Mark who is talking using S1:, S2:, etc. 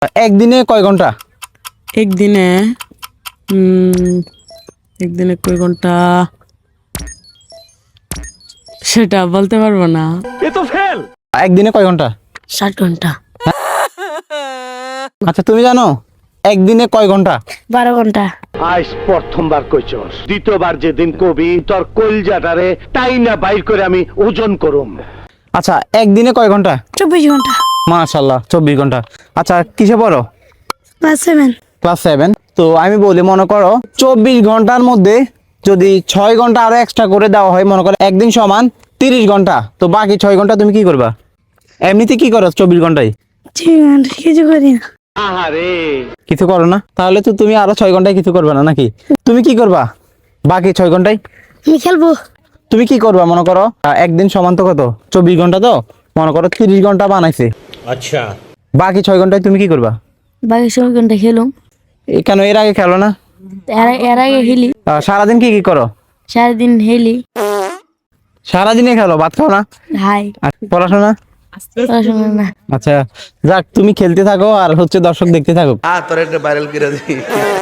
S1: একদিনে কয় ঘন্টা?
S2: একদিনে একদিনে কয় ঘন্টা সেটা বলতে পারবো না।
S1: একদিনে কয় ঘন্টা?
S2: 7 ঘন্টা।
S1: আচ্ছা তুমি জানো একদিনে কয় ঘন্টা?
S2: 12 ঘন্টা।
S3: আজ প্রথমবার কইছস, দ্বিতীয়বার যেদিন কবি তোর কলজাটারে তাই না বাইর করে আমি ওজন করুম।
S1: আচ্ছা একদিনে কয় ঘন্টা?
S2: 24 ঘন্টা।
S1: মাশাআল্লাহ 24 ঘন্টা। আচ্ছা কিসে পড়ো?
S2: ক্লাস 7।
S1: ক্লাস 7। তো আমি বলি মনে করো 24 ঘন্টার মধ্যে যদি 6 ঘন্টা আরো এক্সট্রা করে দেওয়া হয়, মনে করো একদিন সমান 30 ঘন্টা, তো বাকি 6 ঘন্টা তুমি কি করবা? এমনিতে কি করো 24 ঘন্টায়?
S2: কিছু করি না।
S3: আহারে,
S1: কিছু করো না? তাহলে তো তুমি আরো 6 ঘন্টায় কিছু করবে না নাকি? তুমি কি করবা বাকি 6 ঘন্টায়?
S2: আমি খেলবো।
S1: তুমি কি করবা মনে করো একদিন সমান তো কত 24 ঘন্টা, তো মনে করো 30 ঘন্টা বানাইছে,
S3: আচ্ছা
S1: বাকি 6 ঘন্টায় তুমি কি করবা?
S2: বাকি 6 ঘন্টা খেলুম।
S1: কেন এর আগে খেলো না?
S2: এর আগে হেলি।
S1: সারাদিন কি কি করো?
S2: সারাদিন হেলি।
S1: সারাদিনে খেলো, ভাত খাও না?
S2: হাই।
S1: আর পড়াশোনা?
S2: পড়াশোনা না।
S1: আচ্ছা যাক, তুমি খেলতে থাকো আর হচ্ছে দর্শক দেখতে থাকো।
S4: তোর একটা ভাইরাল করে দিই।